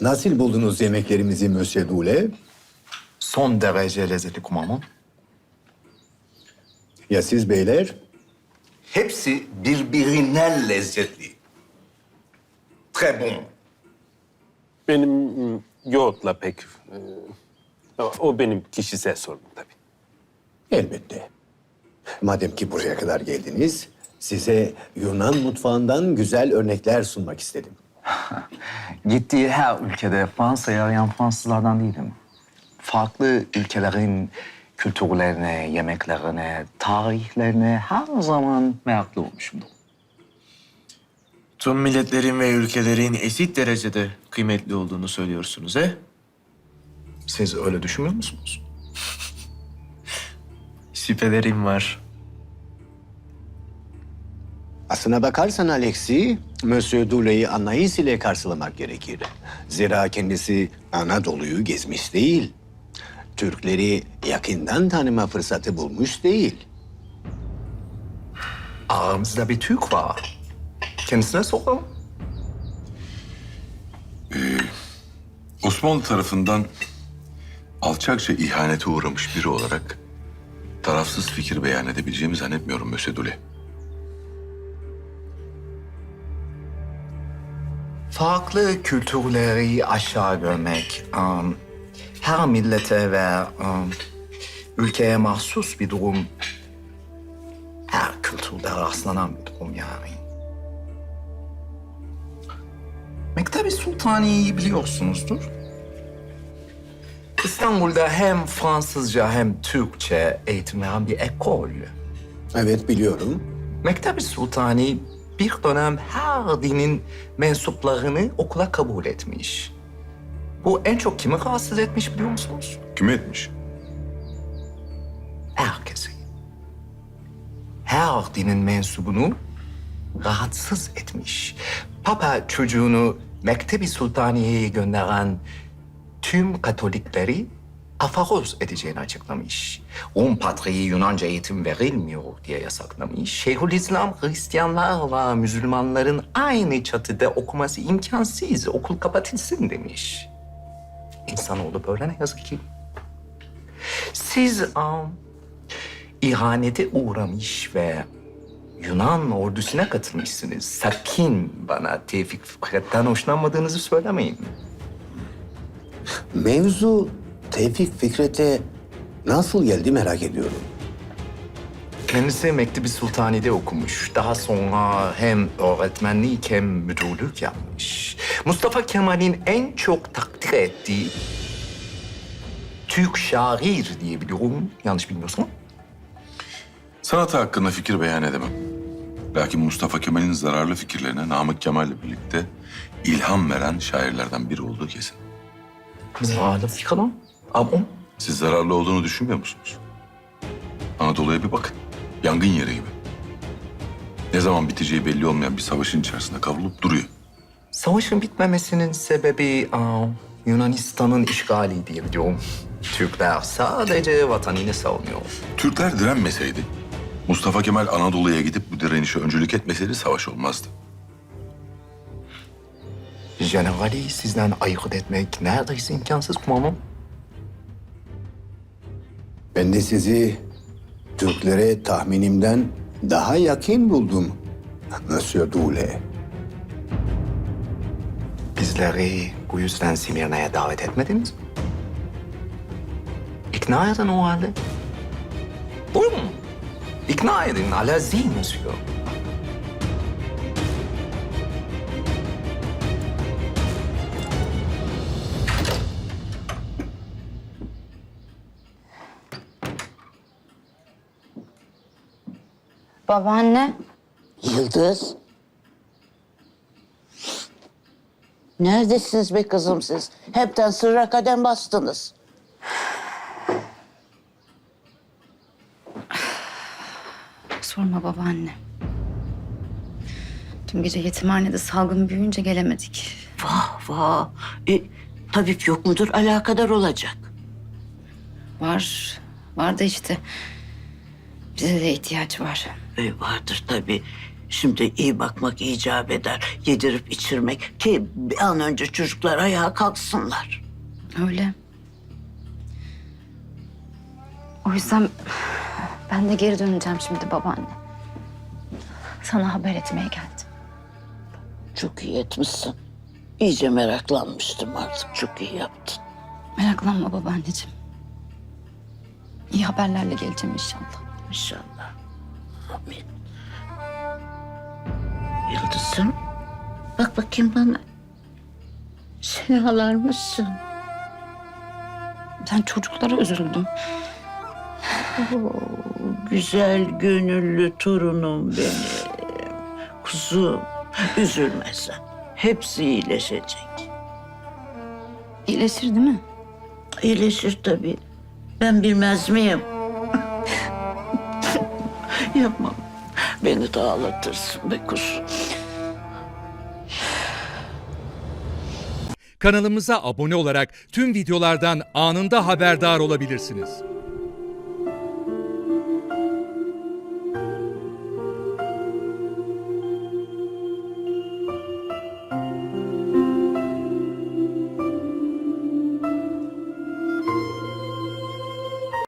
Nasıl buldunuz yemeklerimizi Monsieur Doule? Son derece lezzetli kumamam. Ya siz beyler? Hepsi birbirinden lezzetli. Très bon. Benim yoğurtla pek... o benim kişisel sorunum tabii. Elbette. Madem ki buraya kadar geldiniz, size Yunan mutfağından güzel örnekler sunmak istedim. Gittiği her ülkede Fransa'yı arayan Fransızlardan değilim. Farklı ülkelerin kültürlerine, yemeklerine, tarihlerine her zaman meraklı olmuşumdur. Tüm milletlerin ve ülkelerin eşit derecede kıymetli olduğunu söylüyorsunuz he? Siz öyle düşünmüyor musunuz? Şüphelerim var. Aslına bakarsan Alexi, Monsieur Doule'yi anlayış ile karşılamak gerekir. Zira kendisi Anadolu'yu gezmiş değil. Türkleri yakından tanıma fırsatı bulmuş değil. Aramızda bir Türk var. Kendisine soralım. Osmanlı tarafından alçakça ihanete uğramış biri olarak tarafsız fikir beyan edebileceğimi zannetmiyorum Monsieur Doule. Farklı kültürleri aşağı görmek, her millete ve ülkeye mahsus bir durum, her kültürde rastlanan bir durum yani. Mektebi Sultani'yi biliyorsunuzdur. İstanbul'da hem Fransızca hem Türkçe eğitim veren bir ekol. Evet biliyorum. Mektebi Sultani bir dönem her dinin mensuplarını okula kabul etmiş. Bu en çok kimi rahatsız etmiş biliyor musunuz? Kime etmiş? Herkesi. Her dinin mensubunu rahatsız etmiş. Papa çocuğunu Mektebi Sultaniye'ye gönderen tüm Katolikleri afaroz edeceğini açıklamış. Rum Patriği Yunanca eğitim verilmiyor diye yasaklamış. Şeyhülislam Hristiyanlarla Müslümanların aynı çatıda okuması imkansız, okul kapatılsın demiş. İnsanoğlu böyle ne yazık ki. Siz ihanete uğramış ve Yunan ordusuna katılmışsınız. Sakın bana Tevfik Fikret'ten hoşlanmadığınızı söylemeyin. Mevzu Tevfik Fikret'e nasıl geldi merak ediyorum. Kendisi Mektebi Sultani'de okumuş. Daha sonra hem öğretmenlik hem müdürlük yapmış. Mustafa Kemal'in en çok takdir ettiği Türk şair diye biliyorum. Yanlış bilmiyorsam. Sanatı hakkında fikir beyan edemem. Lakin Mustafa Kemal'in zararlı fikirlerine Namık Kemal'le birlikte ilham veren şairlerden biri olduğu kesin. Zararlı fikir lan. Ama Siz zararlı olduğunu düşünmüyor musunuz? Anadolu'ya bir bakın. Yangın yeri gibi. Ne zaman biteceği belli olmayan bir savaşın içerisinde kavrulup duruyor. savaşın bitmemesinin sebebi Yunanistan'ın işgali diye biliyorum. Türkler sadece vatanını savunuyor. Türkler direnmeseydi, Mustafa Kemal Anadolu'ya gidip bu direnişe öncülük etmeseydi savaş olmazdı. Generali sizden ayırt etmek neredeyse imkansız kumandanım. Ben de sizi Türklere tahminimden daha yakın buldum Monsieur Doule. Bizleri bu yüzden Simirna'ya davet etmediniz mi? İkna edin o halde. Buyurun. İkna edin. Alazi monsieur. Babaanne. Yıldız. Neredesiniz be kızım siz? Hepten sırra kadem bastınız. Sorma babaanne. Dün gece yetimhanede salgın büyüyünce gelemedik. Vah vah. Tabip yok mudur? Alakadar olacak. Var. Var da işte. Bize de ihtiyaç var. Vardır tabii. Şimdi iyi bakmak icap eder. Yedirip içirmek ki bir an önce çocuklar ayağa kalksınlar. Öyle. O yüzden ben de geri döneceğim şimdi babaanne. Sana haber etmeye geldim. Çok iyi etmişsin. İyice meraklanmıştım artık. Çok iyi yaptın. Meraklanma babaanneciğim. İyi haberlerle geleceğim inşallah. İnşallah. Amin. Yıldız'ım, bak bakayım bana. Sen ağlar mısın? Ben çocuklara üzüldüm. Güzel gönüllü torunum benim. Kuzum, üzülme sen. Hepsi iyileşecek. İyileşir değil mi? İyileşir tabii. Ben bilmez miyim? Yapma. Beni de ağlatırsın be kuzum. Kanalımıza abone olarak tüm videolardan anında haberdar olabilirsiniz.